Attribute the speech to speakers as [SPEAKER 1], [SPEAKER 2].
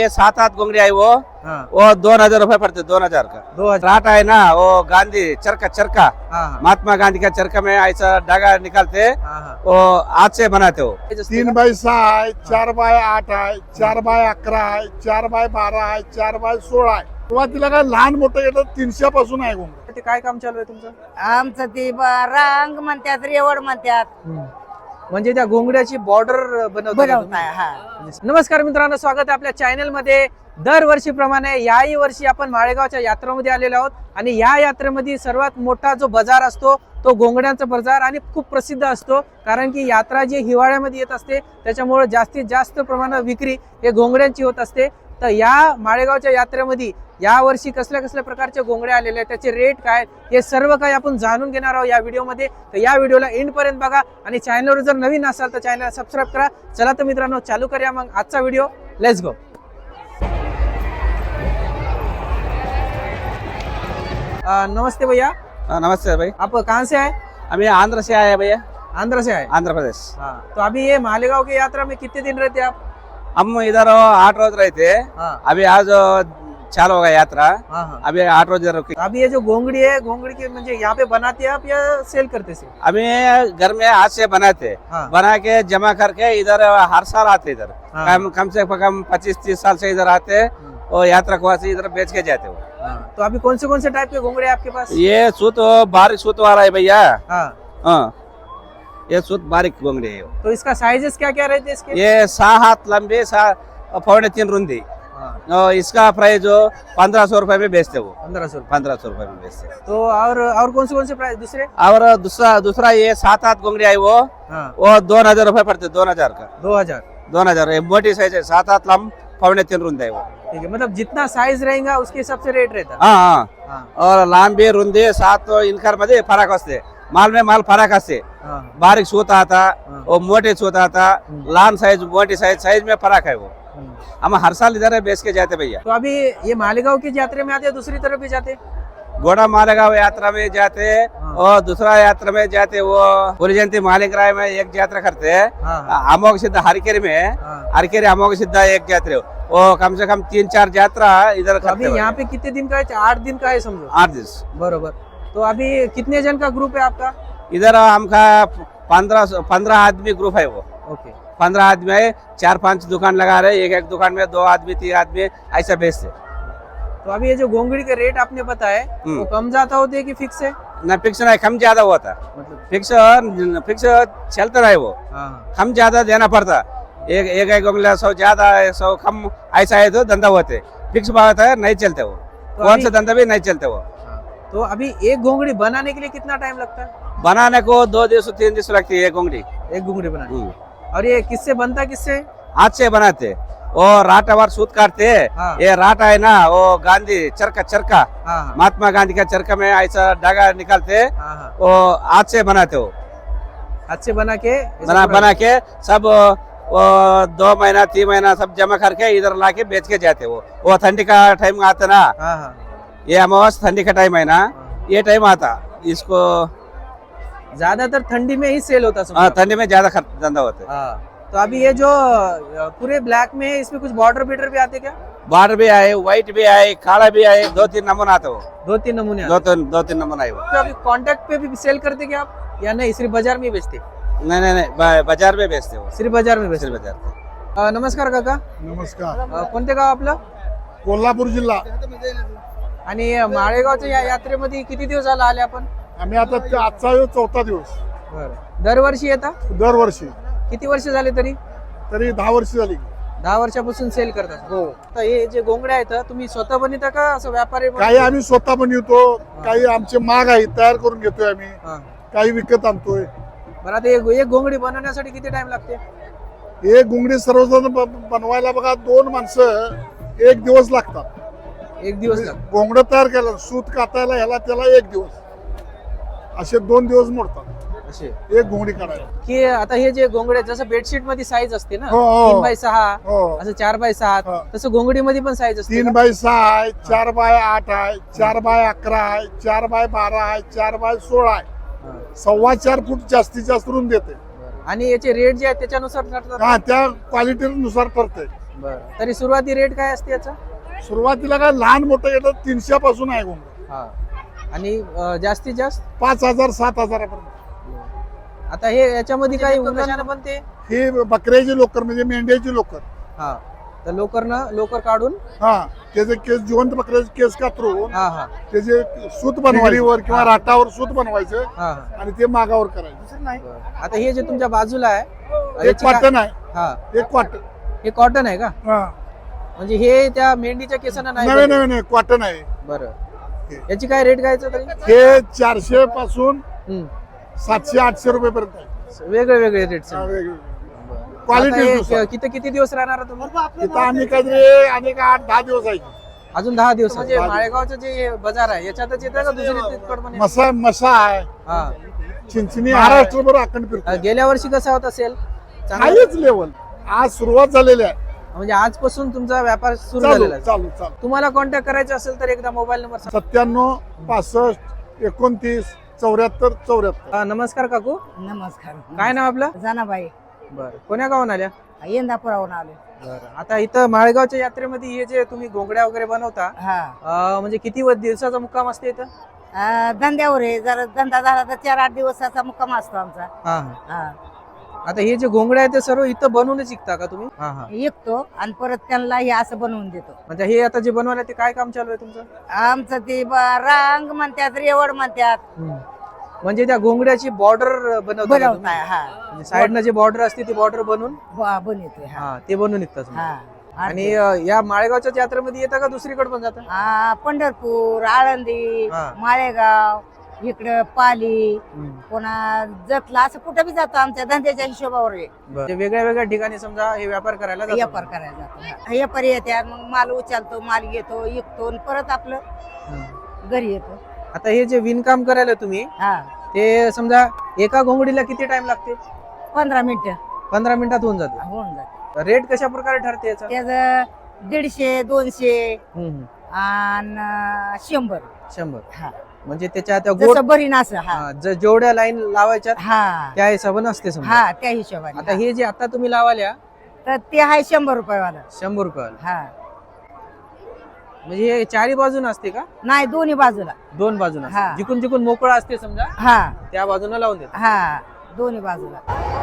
[SPEAKER 1] ये 7-8 घोंगड़ी आई वो
[SPEAKER 2] हाँ।
[SPEAKER 1] वो 2000 रुपए पड़ते, 2000 का।
[SPEAKER 2] 2000।
[SPEAKER 1] राट है ना वो गांधी चरखा चरखा
[SPEAKER 2] हाँ,
[SPEAKER 1] महात्मा गांधी का चरखा में ऐसा धागा निकालते,
[SPEAKER 2] हाँ।
[SPEAKER 1] वो हाथ से बनाते हो।
[SPEAKER 3] 3x6 आहे, 4x8 आहे, 4x11 आहे, 4x12 आहे, 4x16 आहे. सुरुवातीला काय लहान मोठं येतं 300 पासून आहे घोंगडं.
[SPEAKER 2] ते काय काम चालू आहे तुमचं?
[SPEAKER 4] आमचं ते रांग म्हणतात, रेवड म्हणतात,
[SPEAKER 2] म्हणजे त्या घोंगड्याची बॉर्डर
[SPEAKER 4] बनवताय. हा
[SPEAKER 2] नमस्कार मित्रांनो, स्वागत आहे आपल्या चॅनल मध्ये. दरवर्षीप्रमाणे याही वर्षी आपण माळेगावच्या यात्रेमध्ये आलेलो आहोत आणि या यात्रेमध्ये सर्वात मोठा जो बाजार असतो तो घोंगड्यांचा बाजार आणि खूप प्रसिद्ध असतो, कारण की यात्रा जी हिवाळ्यामध्ये येत असते त्याच्यामुळे जास्तीत जास्त प्रमाणात विक्री हे घोंगड्यांची होत असते. तर या माळेगावच्या यात्रेमध्ये या वर्षी कसल्या कसल्या प्रकारचे घोंगडे आलेले आहेत, त्याचे रेट काय, हे सर्व काही आपण जाणून घेणार आहोत या व्हिडिओमध्ये. तर या व्हिडिओला एंड पर्यंत बघा आणि चॅनलवर जर नवीन असाल तर चॅनलला सबस्क्राईब करा. चला तर मित्रांनो चालू करूया मग आजचा व्हिडिओ. Let's go. नमस्ते भैया.
[SPEAKER 1] नमस्ते भाई,
[SPEAKER 2] आप कहाँ से आए?
[SPEAKER 1] हम ये आंध्र से आए हैं भैया,
[SPEAKER 2] आंध्र से आए.
[SPEAKER 1] आंध्र प्रदेश।
[SPEAKER 2] हाँ, तो अभी ये मालेगांव की यात्रा में कितने दिन रहते आप?
[SPEAKER 1] हम इधर 8 रोज रहे थे,
[SPEAKER 2] हाँ,
[SPEAKER 1] अभी आज चालू हो गया यात्रा,
[SPEAKER 2] हाँ, हाँ.
[SPEAKER 1] अभी 8 रोज रुके।
[SPEAKER 2] तो अभी ये जो घोंगड़ी है, घोंगड़ी की म्हणजे यहाँ पे बनाते हैं आप या सेल करते से?
[SPEAKER 1] अभी घर में हाथ से बनाते,
[SPEAKER 2] हाँ.
[SPEAKER 1] बना के जमा करके इधर हर साल आते इधर।
[SPEAKER 2] हाँ.
[SPEAKER 1] कम से कम 25-30 साल से इधर आते और यात्रा को से इधर बेच के जाते हो।
[SPEAKER 2] हाँ. तो अभी कौन से टाइप के घोंगड़े हैं आपके पास?
[SPEAKER 1] ये सूत बारीक सूत वाला है भैया।
[SPEAKER 2] हाँ.
[SPEAKER 1] हाँ, ये सूत बारीक घोंगड़ी है।
[SPEAKER 2] तो इसका साइजेस क्या क्या रहते हैं इसके?
[SPEAKER 1] ये 6 हाथ लंबे, 3.25 रुंदी।
[SPEAKER 2] हाँ.
[SPEAKER 1] और इसका प्राइस जो 1500 रुपए में बेचते वो,
[SPEAKER 2] 1500.
[SPEAKER 1] 1500 रुपए में बेचते।
[SPEAKER 2] तो और कौन से प्राइस दूसरे?
[SPEAKER 1] और दूसरा ये 7-8 घोंगड़ी आई वो
[SPEAKER 2] हाँ.
[SPEAKER 1] वो 2000 रुपए पड़ते, 2000 का।
[SPEAKER 2] 2000.
[SPEAKER 1] ये मोटी साइज है, 7-8 लंब 3.25 रुंदी है वो।
[SPEAKER 2] ठीक है, मतलब जितना साइज रहेगा उसके हिसाब से रेट रहता है.
[SPEAKER 1] हाँ,
[SPEAKER 2] हाँ.
[SPEAKER 1] और लांबी रुंदी 7 इनकर मध्ये फरक असते, माल में माल फरक असते।
[SPEAKER 2] हाँ.
[SPEAKER 1] बारीक सूत आता
[SPEAKER 2] हाँ.
[SPEAKER 1] और मोटे सूत आता, लहान साइज मोटी साइज में फरक है वो।
[SPEAKER 2] हम्म.
[SPEAKER 1] हम हर साल इधर बेच के जाते भैया।
[SPEAKER 2] तो अभी ये मालेगांव की यात्रा में आते हैं, दूसरी तरफ भी जाते हैं?
[SPEAKER 1] घोड़ा मालेगांव यात्रा में जाते
[SPEAKER 2] हाँ.
[SPEAKER 1] और दूसरा यात्रा में जाते, वो पुरी जयंती मालिक राय में एक यात्रा करते हैं।
[SPEAKER 2] हाँ.
[SPEAKER 1] अमोघ सिद्ध हरकेरी में,
[SPEAKER 2] हाँ.
[SPEAKER 1] हरकेरी अमोघ सिद्ध एक यात्रा, वो कम से कम 3-4 यात्रा इधर
[SPEAKER 2] तो अभी
[SPEAKER 1] करते
[SPEAKER 2] यहाँ
[SPEAKER 1] हैं।
[SPEAKER 2] पे कितने दिन का है? 8 दिन का है समझो.
[SPEAKER 1] 8 दिन
[SPEAKER 2] बरोबर. तो अभी कितने जन का ग्रुप है आपका?
[SPEAKER 1] इधर हमका 15 आदमी ग्रुप है वो।
[SPEAKER 2] ओके.
[SPEAKER 1] 15 आदमी है, 4-5 दुकान लगा रहे, एक दुकान में 2 आदमी 3 आदमी ऐसा बेचते।
[SPEAKER 2] तो अभी ये जो घोंगड़ी के रेट आपने बताए वो कम ज्यादा होते हैं कि फिक्स है?
[SPEAKER 1] न फिक्स नहीं, कम ज्यादा होता,
[SPEAKER 2] मतलब
[SPEAKER 1] फिक्स चलता रहे वो,
[SPEAKER 2] हाँ.
[SPEAKER 1] कम ज्यादा देना पड़ता। एक उंगली 100 ज्यादा है, 100 कम, ऐसा है तो धंधा होते। फिक्स बात है, नहीं चलते वो,
[SPEAKER 2] तो
[SPEAKER 1] कौन
[SPEAKER 2] अभी-
[SPEAKER 1] सा धंधा भी नहीं चलते वो।
[SPEAKER 2] हाँ. तो अभी एक घोंगड़ी बनाने के लिए कितना टाइम लगता है?
[SPEAKER 1] बनाने को 2 दिवस 3 दिवस लगती है एक उंगली।
[SPEAKER 2] एक घोंगड़ी बनाने. और ये किससे बनता है, किससे?
[SPEAKER 1] हाथ से बनाते और राटा वार सूत काटते।
[SPEAKER 2] हाँ.
[SPEAKER 1] ये राटा है ना वो गांधी चरखा चरखा
[SPEAKER 2] हाँ, हाँ.
[SPEAKER 1] महात्मा गांधी का चरखा में ऐसा धागा निकालते,
[SPEAKER 2] हाँ, हाँ.
[SPEAKER 1] वो हाथ से बनाते हो।
[SPEAKER 2] हाथ से बना के ऐसे
[SPEAKER 1] बना के सब वो 2 महीना 3 महीना सब जमा करके इधर ला के बेच के जाते वो ठंडी का टाइम आता ना,
[SPEAKER 2] हाँ, हाँ.
[SPEAKER 1] ये अमावस ठंडी का टाइम है ना, ये टाइम आता इसको।
[SPEAKER 2] ज्यादातर ठंडी में ही सेल होता है.
[SPEAKER 1] हाँ, ठंडी में ज्यादा धंधा होता है।
[SPEAKER 2] हाँ. तो अभी ये जो पूरे ब्लैक में है, इसमें कुछ बॉर्डर बीटर भी आते क्या?
[SPEAKER 1] बार्डर भी आए, व्हाइट भी आए, काला भी आए, 2-3 नमूना आता वो,
[SPEAKER 2] 2-3 नमूने आते.
[SPEAKER 1] 2-3 नमूना है वो।
[SPEAKER 2] तो अभी कांटेक्ट पे भी सेल करते क्या आप या नहीं, सिर्फ बाजार में ही बेचते?
[SPEAKER 1] नहीं, बाजार में बेचते हो,
[SPEAKER 2] सिर्फ बाजार में बेचते.
[SPEAKER 1] सिर्फ बाजार।
[SPEAKER 2] नमस्कार काका.
[SPEAKER 3] नमस्कार.
[SPEAKER 2] कोणते गाव आपलं?
[SPEAKER 3] कोल्हापूर जिल्हा.
[SPEAKER 2] आणि माळेगावच्या या यात्रेमध्ये किती दिवस झाला आले आपण?
[SPEAKER 3] आम्ही आता आजचा 4था दिवस.
[SPEAKER 2] दरवर्षी येता?
[SPEAKER 3] दरवर्षी.
[SPEAKER 2] किती वर्ष झाले तरी?
[SPEAKER 3] तरी 10 वर्ष झाली.
[SPEAKER 2] 10 वर्षापासून सेल करतात.
[SPEAKER 3] हो.
[SPEAKER 2] तर हे जे घोंगडे आहेत तुम्ही स्वतः बनवता का असं व्यापारी
[SPEAKER 3] काही आम्ही स्वतः बनवतो, काही आमचे माग आहे तयार करून घेतोय आम्ही,
[SPEAKER 2] हा.
[SPEAKER 3] काही विकत आणतोय.
[SPEAKER 2] बरं, आता एक घोंगडी बनवण्यासाठी किती टाइम लागते?
[SPEAKER 3] एक घोंगडी सर्वजण बनवायला बघा 2 माणसं 1 दिवस लागतात.
[SPEAKER 2] एक दिवस लागतो.
[SPEAKER 3] घोंगडं तयार केलं, सूत कातायला ह्याला त्याला 1 दिवस, असे 2 दिवस मोडतात
[SPEAKER 2] असे
[SPEAKER 3] एक घोंगडी काढायला.
[SPEAKER 2] की आता हे जे घोंगडे जसं बेडशीट मध्ये साईज असते ना,
[SPEAKER 3] हो, हो.
[SPEAKER 2] 3x6
[SPEAKER 3] हो.
[SPEAKER 2] असं 4x7
[SPEAKER 3] हा.
[SPEAKER 2] तसं घोंगडी मध्ये पण साईज असते का?
[SPEAKER 3] 3x6 आहे, 4x8 आहे, 4x11 आहे, 4x12 आहे, 4x16 आहे.
[SPEAKER 2] हा.
[SPEAKER 3] 4.25 फूट जास्तीत जास्त रुंद देते.
[SPEAKER 2] आणि याचे रेट जे आहेत त्याच्यानुसार ठरतात.
[SPEAKER 3] हा, त्या क्वालिटीनुसार ठरते.
[SPEAKER 2] बरं तरी सुरुवाती रेट काय असते याचा?
[SPEAKER 3] सुरुवातीला काय लहान मोठं येतं 300 पासून आहे घोंगडं.
[SPEAKER 2] हा आणि जास्तीत जास्त
[SPEAKER 3] 5,000 7,000पर्यंत.
[SPEAKER 2] आता हे याच्यामध्ये काही कशानं पण ते
[SPEAKER 3] ही बकऱ्याची लोकर म्हणजे मेंढ्याची लोकर.
[SPEAKER 2] हा तर लोकर काढून
[SPEAKER 3] हा त्याचे केस जिवंत बकऱ्याचे केस कातरून
[SPEAKER 2] हा हा
[SPEAKER 3] त्याचे सूत बनवायवर किंवा राटावर सूत बनवायचं
[SPEAKER 2] हा
[SPEAKER 3] आणि ते मागावर करायचं. दुसरं नाही.
[SPEAKER 2] बरं. आता हे जे तुमच्या बाजूला आहे
[SPEAKER 3] एक
[SPEAKER 2] याची काय-
[SPEAKER 3] कॉटन आहे.
[SPEAKER 2] हा
[SPEAKER 3] एक कॉटन.
[SPEAKER 2] हे कॉटन आहे का?
[SPEAKER 3] हा
[SPEAKER 2] म्हणजे हे त्या मेंढीच्या केसांना नाही
[SPEAKER 3] नवे
[SPEAKER 2] बनत?
[SPEAKER 3] नवे कॉटन आहे.
[SPEAKER 2] बरं याची काय रेट काय तरी?
[SPEAKER 3] हे 400 पासून
[SPEAKER 2] हम्म.
[SPEAKER 3] 700-800 रुपये पर्यंत आहे.
[SPEAKER 2] वेगळे वेगळे रेट
[SPEAKER 3] हा, वेगवेगळे. क्वालिटी
[SPEAKER 2] किती किती दिवस राहणार तुम्ही?
[SPEAKER 3] इथं आम्ही काहीतरी अनेक 8-10 दिवस आहे.
[SPEAKER 2] अजून 10 दिवस म्हणजे
[SPEAKER 3] 10 दिवस.
[SPEAKER 2] माळेगावचं जे बाजार आहे याच्यातच येतं का दुसरी तिकडं पण येतं?
[SPEAKER 3] मसा आहे.
[SPEAKER 2] हा
[SPEAKER 3] चिंचणी महाराष्ट्रभर अखंड फिरतो.
[SPEAKER 2] गेल्या वर्षी कसा होता सेल?
[SPEAKER 3] हायच लेवल. आज सुरुवात झालेली आहे.
[SPEAKER 2] म्हणजे आजपासून तुमचा व्यापार सुरू
[SPEAKER 3] चालू
[SPEAKER 2] झालेला आहे.
[SPEAKER 3] चालू चालू.
[SPEAKER 2] तुम्हाला कॉन्टॅक्ट करायचा असेल तर एकदा मोबाईल नंबर
[SPEAKER 3] 97 65 29 74 74.
[SPEAKER 2] नमस्कार काकू,
[SPEAKER 4] नमस्कार.
[SPEAKER 2] काय नाव आपलं?
[SPEAKER 4] जनाबाई
[SPEAKER 2] बरं कोण्या गावून आल्या?
[SPEAKER 4] यंदापुरावून आलो.
[SPEAKER 2] बरं आता इथं माळेगावच्या यात्रेमध्ये हे जे तुम्ही घोंगड्या वगैरे बनवता
[SPEAKER 4] हा
[SPEAKER 2] म्हणजे किती दिवसाचा मुक्काम असते इथं?
[SPEAKER 4] धंद्यावर आहे. जर धंदा झाला तर 4-8 दिवसाचा मुक्काम असतो आमचा.
[SPEAKER 2] हा
[SPEAKER 4] हा
[SPEAKER 2] आता हे जे घोंगड्या आहेत ते सर्व इथं बनवूनच शिकता का तुम्ही? हा हा
[SPEAKER 4] विकतो आणि परत त्यांना हे असं बनवून देतो.
[SPEAKER 2] म्हणजे हे आता जे बनवायला ते काय काम चालू आहे तुमचं?
[SPEAKER 4] आमचं ते रांग म्हणतात, रेवड म्हणतात,
[SPEAKER 2] म्हणजे त्या घोंगड्याची बॉर्डर
[SPEAKER 4] बनवताय. हा
[SPEAKER 2] साईडनं जे बॉर्डर असते ती बॉर्डर बनवून
[SPEAKER 4] बनवतोय. हा
[SPEAKER 2] हा ते बनवून निघतात तुम्ही.
[SPEAKER 4] हा
[SPEAKER 2] आणि या माळेगावच्या यात्रेमध्ये येतं का दुसरीकडे पण जातं?
[SPEAKER 4] पंढरपूर, आळंदी,
[SPEAKER 2] हा.
[SPEAKER 4] माळेगाव, इकडं पाली, पुन्हा जतला, असं कुठं बी जातो. आमच्या धंद्याच्या हिशोबावर आहे.
[SPEAKER 2] म्हणजे वेगळ्या वेगळ्या ठिकाणी समजा हे व्यापार करायला जातात.
[SPEAKER 4] व्यापार करायला जातो. व्यापारी येतात, मग माल उचलतो, माल घेतो, विकतो आणि परत आपलं घरी येतो.
[SPEAKER 2] आता हे जे विणकाम करायला तुम्ही
[SPEAKER 4] हा
[SPEAKER 2] ते समजा एका घोंगडीला किती टाइम लागते?
[SPEAKER 4] 15 मिनिटं
[SPEAKER 2] 15 मिनिटात होऊन जाते.
[SPEAKER 4] होऊन जाते.
[SPEAKER 2] रेट कशा प्रकारे ठरते याचा?
[SPEAKER 4] त्याच 150, 200
[SPEAKER 2] हम्म.
[SPEAKER 4] आणि 100.
[SPEAKER 2] 100
[SPEAKER 4] हा
[SPEAKER 2] म्हणजे त्याच्या त्या गोट
[SPEAKER 4] जसं बरी असं. हा
[SPEAKER 2] जेवढ्या लाईन लावायच्या
[SPEAKER 4] हा
[SPEAKER 2] त्या हिशोबाने असते समजा.
[SPEAKER 4] हा त्या हिशोबाने.
[SPEAKER 2] आता हे जे आता तुम्ही लावाल्या
[SPEAKER 4] तर ते आहे 100 रुपयेवाला.
[SPEAKER 2] 100 रुपयाला.
[SPEAKER 4] हा
[SPEAKER 2] म्हणजे हे चारी बाजून असते का?
[SPEAKER 4] नाही, दोन्ही बाजूला.
[SPEAKER 2] दोन बाजून
[SPEAKER 4] हा.
[SPEAKER 2] जिकून जिकून मोकळा असते समजा
[SPEAKER 4] हा
[SPEAKER 2] त्या बाजूला लावून देतात.
[SPEAKER 4] हा दोन्ही बाजूला.